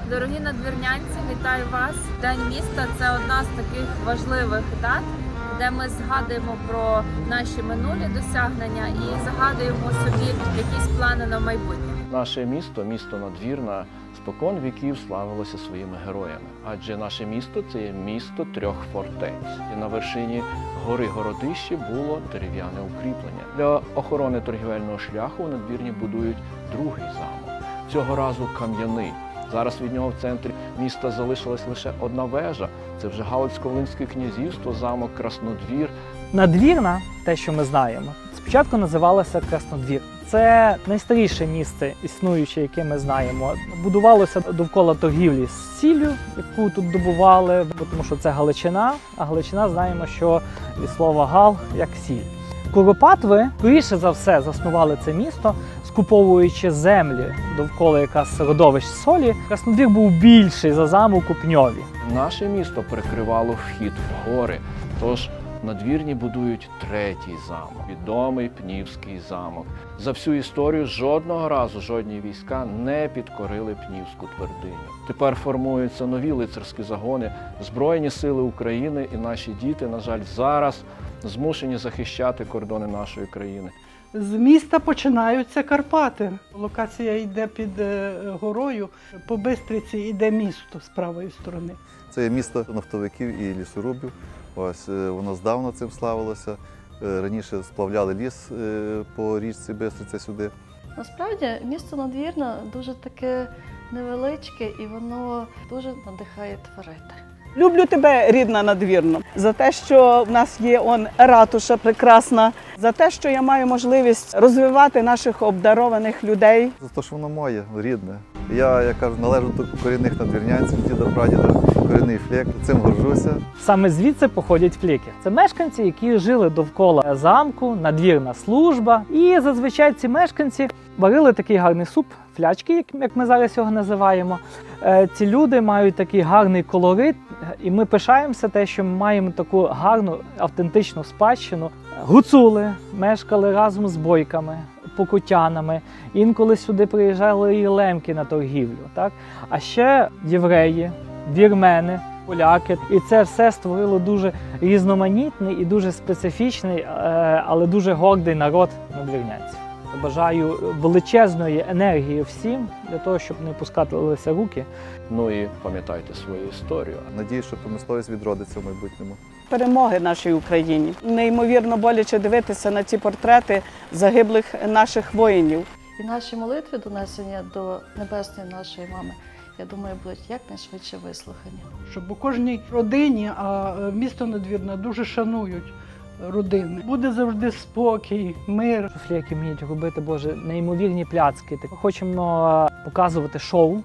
Дорогі надвірнянці, вітаю вас! День міста – це одна з таких важливих дат, де ми згадуємо про наші минулі досягнення і загадуємо собі якісь плани на майбутнє. Наше місто, місто Надвірна, спокон віків славилося своїми героями. Адже наше місто – це є місто трьох фортець. І на вершині гори Городище було дерев'яне укріплення. Для охорони торгівельного шляху у Надвірні будують другий замок. Цього разу кам'яний. Зараз від нього в центрі міста залишилась лише одна вежа. Це вже Галицько-Волинське князівство, замок Краснодвір. Надвірна, те, що ми знаємо, спочатку називалося Краснодвір. Це найстаріше місце, існуюче, яке ми знаємо. Будувалося довкола торгівлі з сіллю, яку тут добували, тому що це Галичина, а Галичина знаємо, що від слова «гал» як сіль. Куропатви, скоріше за все, заснували це місто, скуповуючи землі довкола якраз родовищ солі. Краснодвір був більший за замок у Пньові. Наше місто перекривало вхід в гори, тож в Надвірні будують третій замок, відомий Пнівський замок. За всю історію жодного разу жодні війська не підкорили Пнівську твердиню. Тепер формуються нові лицарські загони, Збройні сили України, і наші діти, на жаль, зараз змушені захищати кордони нашої країни. З міста починаються Карпати. Локація йде під горою, по Бистриці йде місто з правої сторони. Це є місто нафтовиків і лісорубів. Ось воно здавна цим славилося. Раніше сплавляли ліс по річці Бистриця сюди. Насправді місто Надвірна дуже таке невеличке і воно дуже надихає творити. Люблю тебе, рідна Надвірно, за те, що в нас є ратуша прекрасна, за те, що я маю можливість розвивати наших обдарованих людей. За те, що воно моє, рідне. Я, як кажу, належу до корінних надвірнянців, діда-прадіда, корінний флек, цим горжуся. Саме звідси походять фліки. Це мешканці, які жили довкола замку, надвірна служба. І зазвичай ці мешканці варили такий гарний суп, флячки, як ми зараз його називаємо. Ці люди мають такий гарний колорит, і ми пишаємося те, що ми маємо таку гарну, автентичну спадщину. Гуцули мешкали разом з бойками, покутянами. Інколи сюди приїжджали і лемки на торгівлю. Так? А ще євреї, вірмени, поляки. І це все створило дуже різноманітний і дуже специфічний, але дуже гордий народ надвірнянців. Бажаю величезної енергії всім, для того, щоб не пускалися руки. Ну і пам'ятайте свою історію. Надіюсь, що промисловість відродиться в майбутньому. Перемоги нашій Україні. Неймовірно боляче дивитися на ці портрети загиблих наших воїнів. І наші молитви, донесення до небесної нашої мами, я думаю, будуть якнайшвидше вислухані. Щоб у кожній родині, а місто Надвірна дуже шанують родини. Буде завжди спокій, мир. Фліки вміють робити, Боже, неймовірні пляцки. Ми хочемо показувати шоу,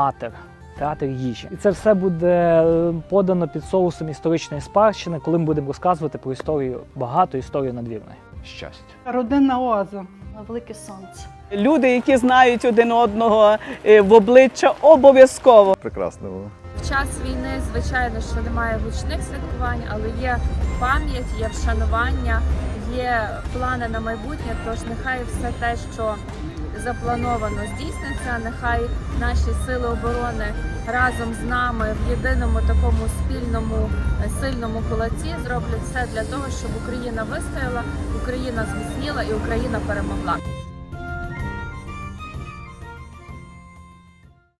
театр їжі. І це все буде подано під соусом історичної спадщини, коли ми будемо розказувати про історію, багату історію Надвірної. Щастя! Родинна оаза. На велике сонце. Люди, які знають один одного в обличчя, обов'язково. Прекрасно було. В час війни, звичайно, що немає гучних святкувань, але є пам'ять, є вшанування, є плани на майбутнє, тож нехай все те, що заплановано, здійсниться, нехай наші сили оборони разом з нами в єдиному такому спільному сильному кулаці зроблять все для того, щоб Україна вистояла, Україна зміцніла і Україна перемогла.